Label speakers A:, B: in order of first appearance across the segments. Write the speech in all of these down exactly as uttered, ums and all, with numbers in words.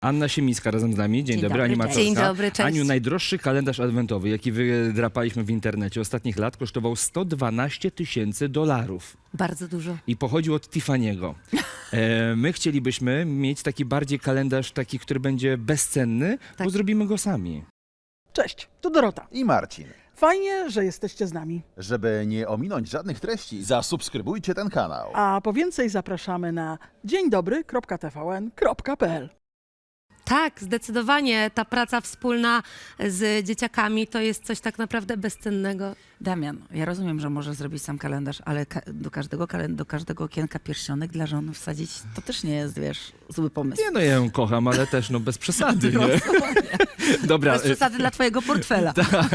A: Anna Siemińska razem z nami. Dzień,
B: Dzień
A: dobry,
B: dobry,
A: animatorka.
B: cześć.
C: Dzień dobry, cześć.
A: Aniu, najdroższy kalendarz adwentowy, jaki wydrapaliśmy w internecie ostatnich lat, kosztował sto dwanaście tysięcy dolarów.
C: Bardzo dużo.
A: I pochodził od Tiffany'ego. E, my chcielibyśmy mieć taki bardziej kalendarz, taki, który będzie bezcenny,
C: Tak.
A: bo zrobimy go sami.
D: Cześć, tu Dorota.
E: I Marcin.
D: Fajnie, że jesteście z nami.
E: Żeby nie ominąć żadnych treści, zasubskrybujcie ten kanał.
D: A po więcej zapraszamy na dzień dobry kropka t v n kropka p l.
C: Tak, zdecydowanie ta praca wspólna z dzieciakami to jest coś tak naprawdę bezcennego.
B: Damian, ja rozumiem, że możesz zrobić sam kalendarz, ale ka do, każdego kalend do każdego okienka pierścionek dla żony wsadzić, to też nie jest, wiesz, zły pomysł.
A: Nie no, ja ją kocham, ale też no bez przesady, nie? Dobra.
B: Bez przesady dla twojego portfela.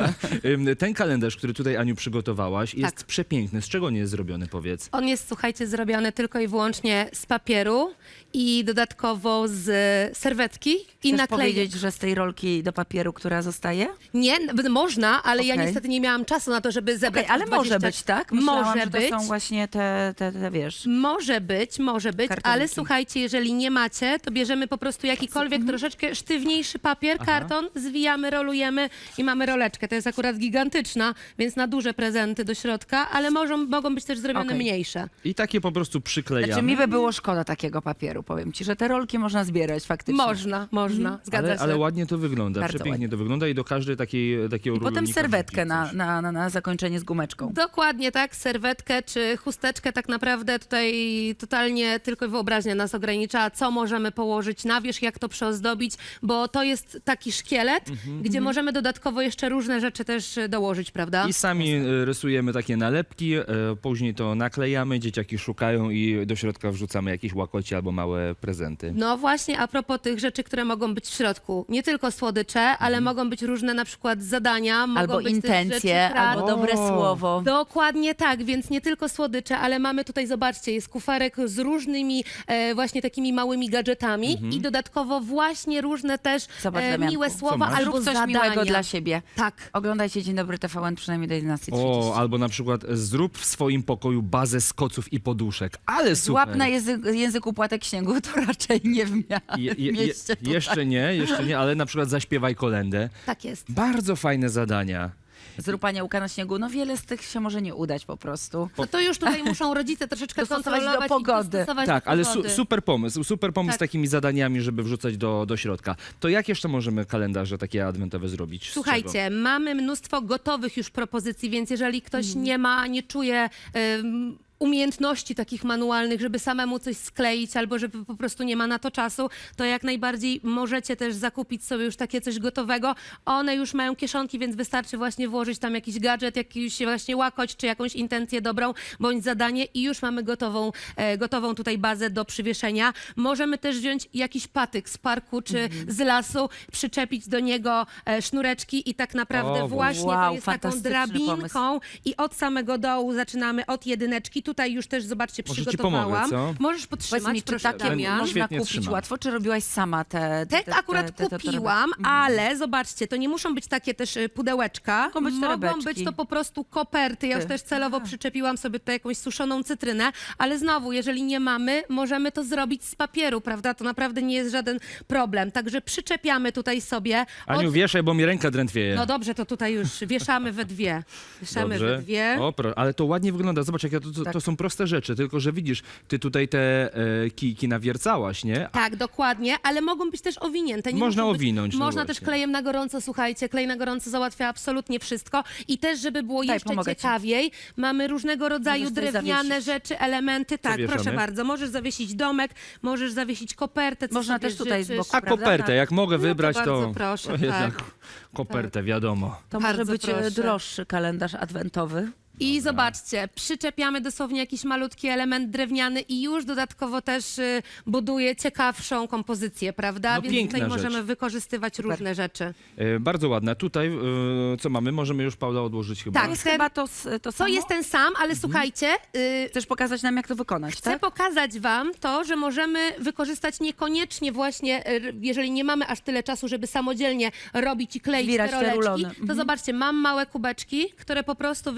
A: Ym, Ten kalendarz, który tutaj, Aniu, przygotowałaś, jest
C: Tak.
A: przepiękny. Z czego nie jest zrobiony, powiedz?
C: On jest, słuchajcie, zrobiony tylko i wyłącznie z papieru i dodatkowo z serwetki i
B: Chcesz
C: naklejek.
B: powiedzieć, że z tej rolki do papieru, która zostaje?
C: Nie, n- można, ale ja
B: Okej.
C: niestety nie miałam czasu na to, żeby zebrać
B: Okej, ale
C: dwadzieścia
B: może być, tak? Myślałam,
C: Może
B: że to
C: być.
B: są właśnie te, te, te wiesz...
C: Może być, może być,
B: Kartoniki.
C: ale słuchajcie, jeżeli nie macie, to bierzemy po prostu jakikolwiek troszeczkę sztywniejszy papier, karton, zwijamy, rolujemy i mamy roleczkę. To jest akurat gigantyczna, więc na duże prezenty do środka, ale mogą, mogą być też zrobione
B: Okej.
C: mniejsze.
A: I takie po prostu przyklejamy.
B: Znaczy mi by było szkoda takiego papieru, powiem ci, że te rolki można zbierać faktycznie.
C: Można, można, zgadza
A: ale,
C: się.
A: ale ładnie to wygląda,
B: Bardzo
A: przepięknie
B: ładnie.
A: to wygląda i do każdej takiej takiego
B: I potem
A: rulownika
B: serwetkę
A: wrzucić
B: na,
A: coś.
B: na, na, na zakończenie z gumeczką.
C: Dokładnie tak, serwetkę czy chusteczkę tak naprawdę tutaj totalnie tylko wyobraźnia nas ogranicza, co możemy położyć na wierzch, jak to przyozdobić, bo to jest taki szkielet,
A: Mhm.
C: gdzie możemy dodatkowo jeszcze różne rzeczy też dołożyć, prawda?
A: I sami e, rysujemy takie nalepki, e, później to naklejamy, dzieciaki szukają i do środka wrzucamy jakieś łakoci albo małe prezenty.
C: No właśnie, a propos tych rzeczy, które mogą być w środku. Nie tylko słodycze, ale mogą być różne na przykład zadania, mogą
B: Albo
C: być
B: intencje,
C: też rzeczy
B: albo
C: pracy.
B: dobre
A: O.
B: słowo.
C: Dokładnie tak, więc nie tylko słodycze, ale mamy tutaj, zobaczcie, jest kuferek z różnymi e, właśnie takimi małymi gadżetami i dodatkowo właśnie różne też
B: Zobacz,
C: e,
B: Damianku.
C: miłe
B: Co
C: słowa
A: masz?
C: albo
B: Zrób coś
C: zadania.
B: miłego dla siebie.
C: Tak.
B: Oglądajcie Dzień Dobry T V N przynajmniej do jedenastej
A: O,
B: trzydzieści.
A: albo na przykład zrób w swoim pokoju bazę z koców i poduszek. Ale super!
B: Złap na język, języku płatek śniegu, to raczej nie w mia-
A: Je, je, je,
B: mieście tutaj.
A: jeszcze nie, jeszcze nie, ale na przykład zaśpiewaj kolędę.
C: Tak jest.
A: Bardzo fajne zadania.
B: Zrób aniołka na śniegu, no wiele z tych się może nie udać po prostu.
C: No to już tutaj muszą rodzice troszeczkę
B: Dostosować do
C: kontrolować
B: pogody.
C: i dostosować
A: Tak,
C: do
A: ale su
C: pogody.
A: super pomysł, super pomysł z
C: Tak.
A: takimi zadaniami, żeby wrzucać do, do środka. To jak jeszcze możemy kalendarze takie adwentowe zrobić? Z czego?
C: Słuchajcie, mamy mnóstwo gotowych już propozycji, więc jeżeli ktoś
B: Mhm.
C: nie ma, nie czuje em, umiejętności takich manualnych, żeby samemu coś skleić albo żeby po prostu nie ma na to czasu, to jak najbardziej możecie też zakupić sobie już takie coś gotowego. One już mają kieszonki, więc wystarczy właśnie włożyć tam jakiś gadżet, jakiś właśnie łakoć, czy jakąś intencję dobrą, bądź zadanie i już mamy gotową, e, gotową tutaj bazę do przywieszenia. Możemy też wziąć jakiś patyk z parku, czy
B: Mhm.
C: z lasu, przyczepić do niego e, sznureczki i tak naprawdę
A: O,
C: właśnie
B: wow,
C: to jest taką
B: fantastyczny
C: drabinką i od samego dołu zaczynamy od jedyneczki. Tutaj już też, zobaczcie,
A: Może ci
C: przygotowałam.
A: pomogę, co?
C: Możesz
B: Powiedz
C: podtrzymać,
B: mi, czy
C: proszę,
B: takie
C: Damian.
B: można
A: Świetnie
B: kupić
A: trzymam.
B: łatwo, czy robiłaś sama te...
C: Te akurat
B: te- te- te
C: kupiłam,
B: torebki?
C: ale zobaczcie, to nie muszą być takie też y, pudełeczka.
B: Mogą być
C: Mogą
B: torebeczki.
C: być to po prostu koperty. Ja już
B: Ty.
C: też celowo przyczepiłam sobie tutaj jakąś suszoną cytrynę, ale znowu, jeżeli nie mamy, możemy to zrobić z papieru, prawda? To naprawdę nie jest żaden problem. Także przyczepiamy tutaj sobie.
A: Aniu,
C: od-
A: wieszaj, bo mi ręka drętwieje.
C: No dobrze, to tutaj już wieszamy we dwie. Wieszamy
A: Dobrze.
C: we dwie.
A: O, pro, ale to ładnie wygląda. Zobacz, jak ja to, to,
B: Tak.
A: to są proste rzeczy, tylko że widzisz, ty tutaj te e, kijki nawiercałaś, nie?
C: Tak, dokładnie, ale mogą być też owinięte. Nie
A: Można
C: muszą być,
A: owinąć, no
C: Można
A: właśnie.
C: też klejem na gorąco, słuchajcie, klej na gorąco załatwia absolutnie wszystko. I też, żeby było
B: Daj,
C: jeszcze
B: pomogę ci.
C: ciekawiej, mamy różnego rodzaju
B: Możesz tutaj
C: drewniane
B: zawiesić.
C: rzeczy, elementy. Tak,
A: wieszamy?
C: proszę bardzo, możesz zawiesić domek, możesz zawiesić kopertę, co
B: Można
C: sobie
B: też tutaj z
C: życzysz.
B: boku.
A: A
B: Prawda?
A: kopertę,
B: Tak.
A: jak mogę
C: No to
A: wybrać,
C: bardzo
A: to,
C: proszę,
A: to jednak
C: tak.
A: kopertę, wiadomo.
B: To może
C: Bardzo
B: być e,
C: proszę.
B: droższy kalendarz adwentowy.
C: I zobaczcie, przyczepiamy dosłownie jakiś malutki element drewniany i już dodatkowo też y, buduje ciekawszą kompozycję, prawda?
A: No,
C: Więc
A: piękna
C: tutaj
A: rzecz.
C: możemy wykorzystywać różne rzeczy.
A: E, bardzo ładne. Tutaj, e, co mamy? Możemy już, Paula, odłożyć chyba.
C: Tak.
B: To jest
C: ten-
B: chyba to, s- to
C: To
B: samo?
C: jest ten sam, ale słuchajcie, y,
B: Chcesz pokazać nam, jak to wykonać,
C: chcę
B: tak?
C: pokazać wam to, że możemy wykorzystać niekoniecznie właśnie, y, jeżeli nie mamy aż tyle czasu, żeby samodzielnie robić i kleić
B: Zbierać
C: te
B: te
C: roleczki,
B: rulony.
C: to
B: Mhm.
C: zobaczcie, mam małe kubeczki, które po prostu wystarczy właśnie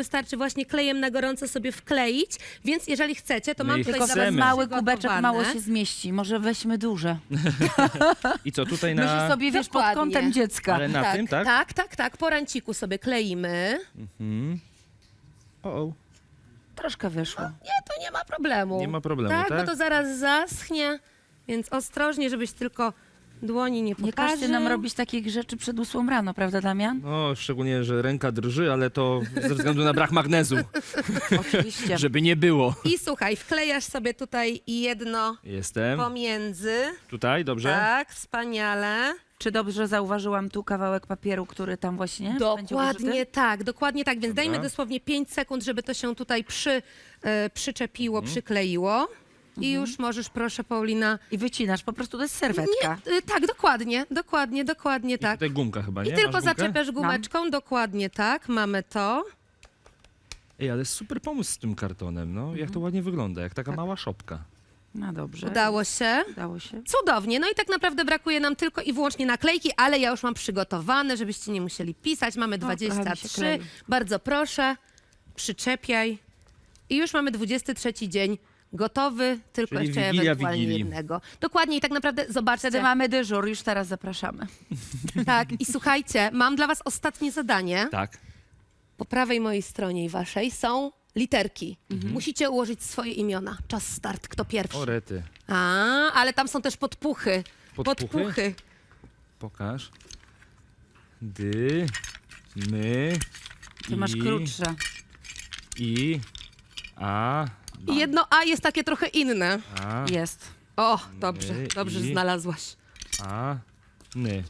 C: właśnie klejem na gorąco sobie wkleić, więc jeżeli chcecie, to
A: My
C: mam
A: ich
C: tutaj
B: Tylko
C: dla
A: chcemy.
C: was
B: ten mały kubeczek
C: przygotowane.
B: mało się zmieści. Może weźmy duże.
A: I co, tutaj
B: Myślę
A: na...
B: sobie, wiesz, pod
C: Dokładnie.
B: kątem dziecka.
A: Ale na
C: tak,
A: tym, tak?
C: Tak, tak, tak. Po ranciku sobie kleimy.
A: O, o.
B: Troszkę wyszło.
C: Nie, to nie ma problemu.
A: Nie ma problemu,
C: tak?
A: tak?
C: Bo to zaraz zaschnie, więc ostrożnie, żebyś tylko dłoni nie
B: Nie
C: poparzył.
B: każcie nam robić takich rzeczy przed ósmą rano, prawda, Damian?
A: No, szczególnie, że ręka drży, ale to ze względu na brak magnezu,
B: Oczywiście.
A: żeby nie było.
C: I słuchaj, wklejasz sobie tutaj jedno
A: Jestem.
C: pomiędzy.
A: Tutaj, dobrze?
C: Tak, wspaniale.
B: Czy dobrze zauważyłam tu kawałek papieru, który tam właśnie będzie
C: Dokładnie
B: użyty?
C: tak, dokładnie tak. Więc
A: Dobra.
C: dajmy dosłownie pięć sekund, żeby to się tutaj przy, e, przyczepiło,
A: Mhm.
C: przykleiło. I już możesz, proszę, Paulina.
B: I wycinasz, po prostu to jest serwetka.
C: Nie, e, tak, dokładnie, dokładnie, dokładnie
A: I
C: tak.
A: tutaj gumka chyba, nie?
C: I tylko
A: Masz gumkę?
C: zaczepiasz gumeczką, dokładnie tak, mamy to.
A: Ej, ale super pomysł z tym kartonem, no. Jak to ładnie wygląda, jak taka mała szopka.
B: No dobrze.
C: Udało się.
B: Udało się.
C: Cudownie. No i tak naprawdę brakuje nam tylko i wyłącznie naklejki, ale ja już mam przygotowane, żebyście nie musieli pisać. Mamy
B: trochę mi się
C: dwadzieścia trzy.
B: klei.
C: Bardzo proszę, przyczepiaj. I już mamy dwudziesty trzeci dzień gotowy, tylko
A: Czyli
C: jeszcze
A: Wigilia
C: ewentualnie
A: Wigilii.
C: jednego. Dokładnie i tak naprawdę zobaczcie.
B: Wtedy mamy dyżur, już teraz zapraszamy.
C: Tak, i słuchajcie, mam dla was ostatnie zadanie.
A: Tak.
C: Po prawej mojej stronie i waszej są literki.
B: Mhm.
C: Musicie ułożyć swoje imiona. Czas start, kto pierwszy.
A: O, rety.
C: A, ale tam są też podpuchy.
A: Podpuchy?
C: Podpuchy.
A: Pokaż. Dy, my,
B: Ty masz
A: i,
B: krótsze.
A: I, a,
C: I jedno A jest takie trochę inne.
A: a,
B: Jest.
C: O, dobrze,
A: My
C: dobrze, że
A: i-
C: znalazłaś.
A: a, ny.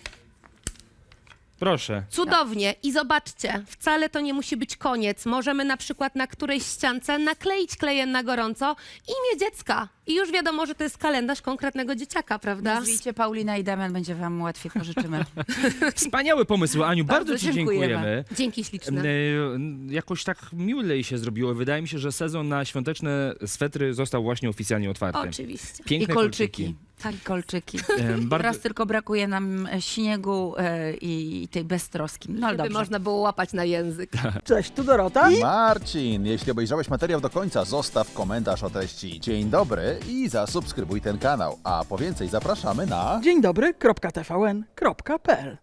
A: Proszę.
C: Cudownie. I zobaczcie, wcale to nie musi być koniec. Możemy na przykład na którejś ściance nakleić klejem na gorąco imię dziecka. I już wiadomo, że to jest kalendarz konkretnego dzieciaka, prawda?
B: Nazwijcie Paulina i Damian, będzie wam łatwiej, pożyczymy.
A: Wspaniały pomysł, Aniu. Bardzo,
B: Bardzo
A: ci
B: dziękujemy.
A: dziękujemy.
C: Dzięki śliczne.
A: E, Jakoś tak milej się zrobiło. Wydaje mi się, że sezon na świąteczne swetry został właśnie oficjalnie otwarty.
C: Oczywiście.
B: I
A: Piękne
B: kolczyki. Tak, i kolczyki.
A: E, bardzo...
B: Teraz tylko brakuje nam e, śniegu e, i tej beztroski. No ale
C: Żeby
B: dobrze.
C: można było łapać na język.
D: Cześć, tu Dorota.
E: Marcin, jeśli obejrzałeś materiał do końca, zostaw komentarz o treści dzień dobry i zasubskrybuj ten kanał. A po więcej zapraszamy na...
D: Dzień dobry, kropka T V N, kropka P L.